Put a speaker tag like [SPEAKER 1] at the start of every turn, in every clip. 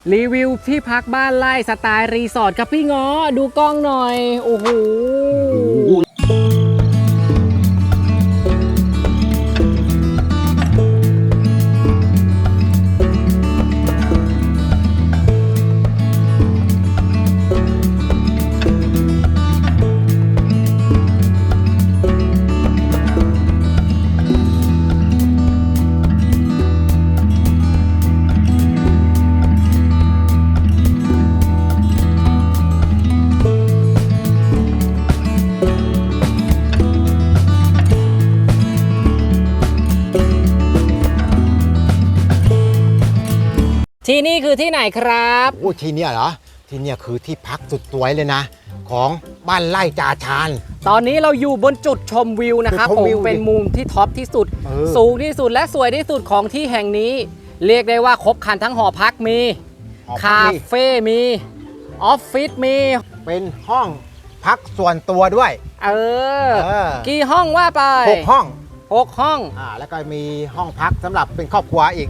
[SPEAKER 1] รีวิวที่พักบ้านไร่สไตล์รีสอร์ทครับพี่ง้อดูกล้องหน่อย โอ้โห ที่นี่คือที่ไหนครับ
[SPEAKER 2] โอ้ที่เนี่ยเหรอที่เนี่ยคือที่พักสุดสวยเลยนะ ของบ้านไร่จ่าชาญ
[SPEAKER 1] ตอนนี้เราอยู่บนจุดชมวิวนะครับ
[SPEAKER 2] จุดชมวิว
[SPEAKER 1] เป็นมุมที่ท็อปที่สุด
[SPEAKER 2] ๆ
[SPEAKER 1] สูงที่สุดและสวยที่สุดของที่แห่งนี้ เรียกได้ว่าครบครันทั้งหอพักมี
[SPEAKER 2] หอพั
[SPEAKER 1] คาก
[SPEAKER 2] นี่
[SPEAKER 1] เฟ่มีออฟฟิศมี
[SPEAKER 2] เป็นห้องพักส่วนตัวด้วย
[SPEAKER 1] เออ
[SPEAKER 2] เออ
[SPEAKER 1] กี่ห้องว่าไป
[SPEAKER 2] 6 ห้อง
[SPEAKER 1] 6 ห้อง
[SPEAKER 2] แล้วก็มีห้องพักสำหรับเป็นครอบครัวอีก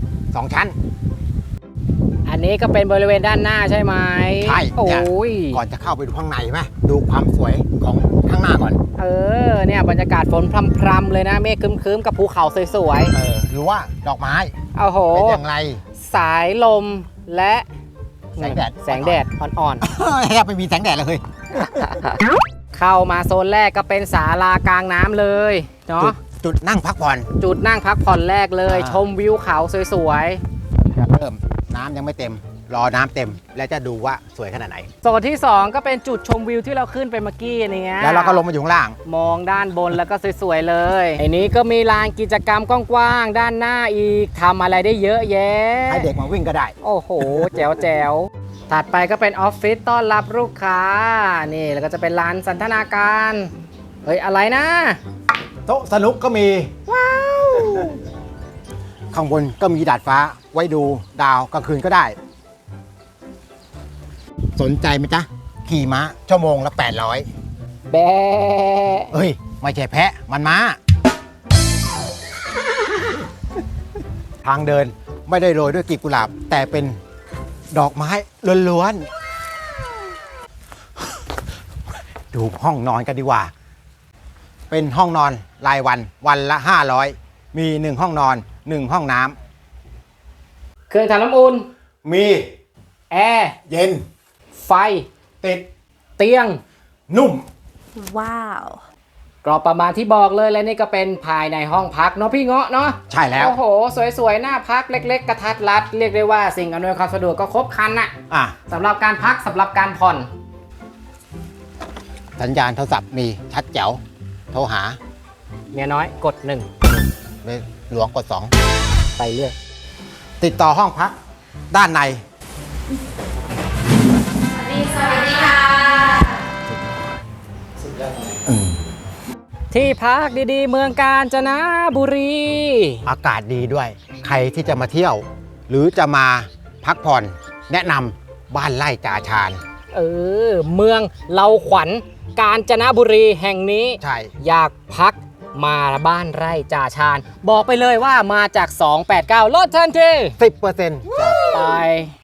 [SPEAKER 2] 2 ชั้น
[SPEAKER 1] อันนี้ก็เป็นบริเวณด้านหน้าใช่ไหม
[SPEAKER 2] ใช่
[SPEAKER 1] โอ้
[SPEAKER 2] เนี่ย
[SPEAKER 1] ย
[SPEAKER 2] ก่อนจะเข้าไปดูข้างในไหมดูความสวยของข้างหน้าก่อน
[SPEAKER 1] เออเนี่ยบรรยากาศฝนพรำๆเลยนะเมฆครึ้มๆกับภูเขาสวย
[SPEAKER 2] หรือว่าดอกไม้
[SPEAKER 1] ๆโอ้โห
[SPEAKER 2] เป็นอย่างไร
[SPEAKER 1] สายลมและ
[SPEAKER 2] แสงแดด
[SPEAKER 1] แสงแดดอ่อน
[SPEAKER 2] แทบไม่มีแสงแดดเลย
[SPEAKER 1] ๆ เข้ามาโซนแรกก็เป็นศาลากลางน้ำเลยเนาะ
[SPEAKER 2] จุดนั่งพักผ่อน
[SPEAKER 1] จุดนั่งพักผ่อนแรกเลย ชมวิวเขาสวย
[SPEAKER 2] เริ่มน้ำยังไม่เต็ม รอน้ำเต็มแล้วจะดูว่าสวยขนาดไหน
[SPEAKER 1] ๆโซนที่ 2 ก็เป็นจุดชมวิวที่เราขึ้นไปเมื่อกี้นี่ไง
[SPEAKER 2] แล้วเราก็ลงมาอยู่ข้างล่าง
[SPEAKER 1] มองด้านบนแล้วก็สวยๆเลยไอ้นี้ก็มีลานกิจกรรมกว้างๆด้านหน้าอีกทำอะไรได้เยอะแยะ
[SPEAKER 2] ให้เด็กมาวิ่งก็ได้
[SPEAKER 1] โอ้โห แจ๋วๆ ถัดไปก็เป็นออฟฟิศต้อนรับลูกค้า นี่แล้วก็จะเป็นลานสันทนาการ เฮ้ย อะไรนะ
[SPEAKER 2] โต๊ะสนุกก็มี
[SPEAKER 1] ว้าว
[SPEAKER 2] ข้างบนก็มีดาดฟ้าไว้ดูดาวกลางคืนก็ได้ สนใจไหมจ๊ะ ขี่ม้าชั่วโมงละ 800
[SPEAKER 1] แบะ
[SPEAKER 2] เอ้ย ไม่ใช่แพะ มันม้า ทางเดินไม่ได้โรยด้วยกลีบกุหลาบ แต่เป็นดอกไม้ล้วนๆ ดูห้องนอนกันดีกว่า เป็นห้องนอนรายวันละ 500 มี 1 ห้องนอน 1 ห้องน้
[SPEAKER 1] เครื่องทำน้ำอุ่น
[SPEAKER 2] ำมี
[SPEAKER 1] แอร์
[SPEAKER 2] เย็น
[SPEAKER 1] ไฟ
[SPEAKER 2] ติด
[SPEAKER 1] เตียง
[SPEAKER 2] นุ่ม
[SPEAKER 3] Wow.
[SPEAKER 1] กรอบประมาณที่บอกเลยและนี่ก็เป็นภายในห้องพักเนาะพี่เงาะเนาะ
[SPEAKER 2] ใช่แล้ว
[SPEAKER 1] โอ้โห สวยๆ หน้าพักเล็กๆ กระทัดรัด เรียกได้ว่าสิ่งอำนวยความสะดวกก็ครบครันน่ะ
[SPEAKER 2] อ่ะ
[SPEAKER 1] สำหรับการพักสำหรับการผ่อน
[SPEAKER 2] สัญญาณโทรศัพท์มีชัดแจ๋ว โทรหา
[SPEAKER 1] เมียน้อยกด
[SPEAKER 2] หลวงกด
[SPEAKER 1] 1 ไปเรื่อย
[SPEAKER 2] 2 ติดต่อห้องพัก ด้านใน
[SPEAKER 1] ที่พักดีๆ เมืองกาญจนบุรี
[SPEAKER 2] อากาศดีด้วย ใครที่จะมาเที่ยว หรือจะมาพักผ่อนแนะนำบ้านไร่จ่าชาญ
[SPEAKER 1] เมืองเราขวัญกาญจนบุรีแห่งนี้
[SPEAKER 2] ใช่
[SPEAKER 1] อยากพักมาบ้านไร่จ่าชาญ บอกไปเลยว่ามาจาก 289ลดทันที
[SPEAKER 2] 10%
[SPEAKER 1] ไป